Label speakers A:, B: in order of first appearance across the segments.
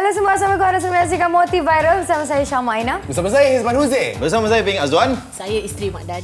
A: anda semua, Assalamualaikum warahmatullahi wabarakatuh. Menyaksikan Motif Viral bersama saya Syama Aina.
B: Bersama saya Hizman Huzi.
C: Bersama saya Ping Azwan.
D: Saya isteri Mak Dan.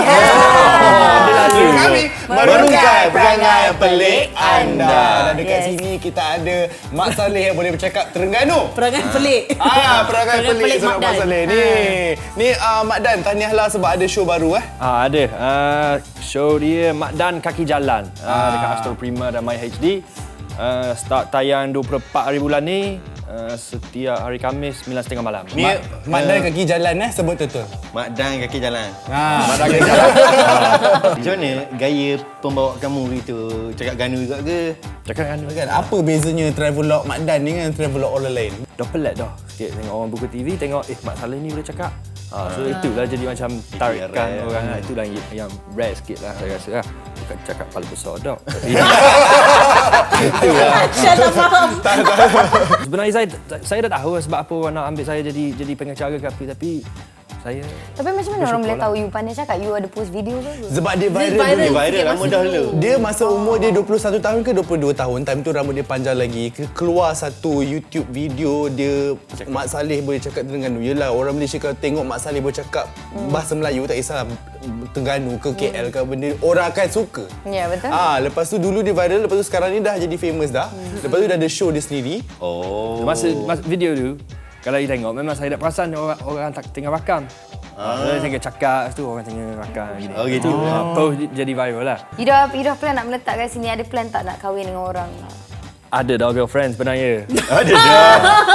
B: Kami merungkai perangai pelik anda. Dan dekat sini kita ada Mak Saleh yang boleh bercakap Terengganu.
D: Perangai pelik.
B: Perangai pelik sebab Mak Saleh ni. Mak Dan, tahniahlah sebab ada show baru
E: Ada. Show dia Mak Dan Kaki Jalan dekat Astro Prima dan MyHD. Start tayang 24 hari bulan ni. Setiap hari Khamis 9.30 malam.
B: Ni Mak Dan Kaki Jalan sebut betul.
C: Mak Dan Kaki Jalan.
B: Mak Dan Kaki Jalan.
C: Macam mana gaya pembawa kamu gitu? Cakap Ganu juga ke?
E: Cakap kan
B: Kan apa bezanya travelog Mak Dan ni dengan travelog orang lain?
E: dah pelik dah sikit tengok orang buka TV, tengok Mak Saleh ni boleh cakap. So itulah jadi macam tarikan orang. Itulah yang rare sikit lah saya rasa lah. Bukan cakap kepala besar dah. Itulah.
D: Saya tak faham.
E: Sebenarnya saya dah tahu sebab apa orang nak ambil saya jadi pengacara ke apa, tapi saya...
A: Tapi macam mana orang boleh tahu you pandai cakap? You ada post video ke?
B: Sebab dia viral
D: viral.
B: dulu.
C: Viral lama dah dulu.
B: Dia masa umur dia 21 tahun ke 22 tahun. Time tu rambut dia panjang lagi. Keluar satu YouTube video dia Mak Saleh boleh cakap Terengganu. Yelah, orang Malaysia kalau tengok Mak Saleh boleh cakap bahasa Melayu, tak kisah Terengganu ke KL ke benda, orang akan suka.
A: Ya, betul.
B: Lepas tu dulu dia viral, lepas tu sekarang ni dah jadi famous dah. Lepas tu dah ada show dia sendiri.
E: Masa video tu, kalau you tengok, memang saya tak perasan orang tengah rakam. Saya tengah cakap, lepas tu orang tengah rakam.
C: Oh gitu.
E: Post jadi viral lah.
A: You dah plan nak meletak kat sini? Ada plan tak nak kahwin dengan orang?
E: Ada dah girlfriend sebenarnya.
C: Ada dah.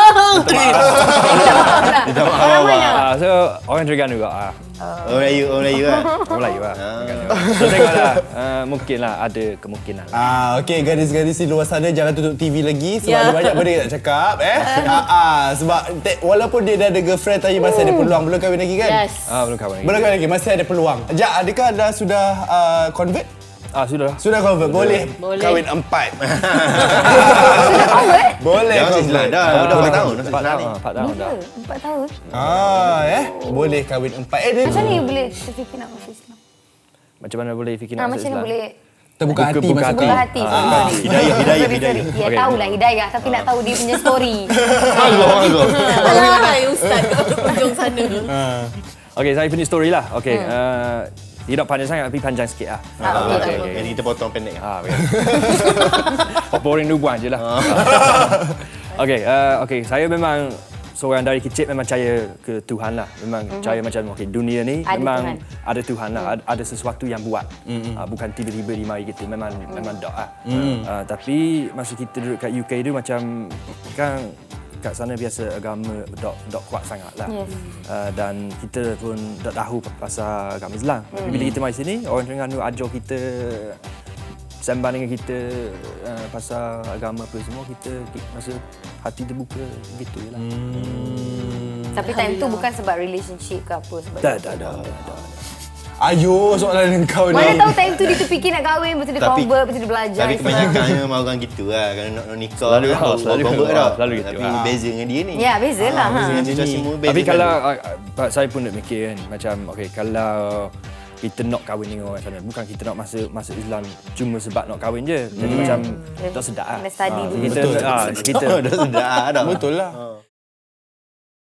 A: Minta maaf lah.
E: So, orang Terengganu juga.
C: Orang Melayu lah.
E: Orang Melayu lah. So, tengoklah. Mungkinlah ada kemungkinan.
B: Okey, gadis-gadis di luar sana jangan tutup TV lagi sebab ada banyak benda nak cakap sebab walaupun dia dah ada girlfriend tapi masih ada peluang. Belum kahwin lagi kan?
D: Yes.
E: Belum kahwin lagi.
B: Belum kahwin lagi, masih ada peluang. Jap, adakah anda sudah convert?
E: Sudah.
B: Sudah convert. Boleh kahwin 4. Boleh
C: Jangan
B: convert.
C: Islam dah. Dah 4 tahun.
E: 4 tahun dah.
A: 4 tahun?
B: Boleh kahwin 4. Dia
A: Macam mana you boleh terfikir nak masuk Islam?
E: Macam mana boleh fikir nak masuk
A: Macam mana
E: Islam?
A: boleh
B: terbuka hati
E: Buka
B: maksud
E: hati.
A: buka hati?
C: Hidayah.
A: Ya, tahulah hidayah tapi nak tahu dia punya story.
D: Alah, ustaz kat ujung sana.
E: Okey, saya punya story lah. Okey. Tidak panjang sangat tapi panjang sikit lah.
A: Okey.
C: Jadi kita potong pendek.
E: Boring dulu buang je lah. Okey, saya memang seorang dari kecil memang percaya ke Tuhan lah. Memang percaya macam dunia ni
A: Ada
E: memang
A: Tuhan.
E: ada Tuhan lah. Ada sesuatu yang buat. Bukan tiba-tiba di mari kita. Memang dok lah. Tapi masa kita duduk kat UK tu macam kan kat sana biasa agama dok kuat sangat lah.
A: Yes.
E: Dan kita pun tak tahu pasal agama Islam. Tapi bila kita mari sini, orang Terengganu ajar kita sembang dengan kita pasal agama apa semua, kita masa hati terbuka gitu je lah.
A: Tapi time tu bukan sebab relationship ke apa sebab
E: Dah.
B: Ayo, soalan kau ni.
A: mana tahu time tu dia terfikir nak kahwin, betul dia convert, betul dia belajar.
C: Tapi
A: Islam.
C: kebanyakan memang orang gitu lah. Kalau nak nikah
E: Selalu
C: kan,
E: selalu
C: convert
E: gitu.
C: dah.
E: Selalu gitu.
C: Tapi beza dengan dia ni.
A: Ya, bezalah.
C: Beza dengan situasi semua beza.
E: Tapi
C: kan.
E: kalau saya pun nak fikir kan, macam kalau kita nak kahwin dengan orang sana, bukan kita nak masuk Islam cuma sebab nak kahwin je. Jadi macam tak sedap lah.
A: Kena study dulu.
E: Kita
C: dah sedar dah.
B: Betul lah.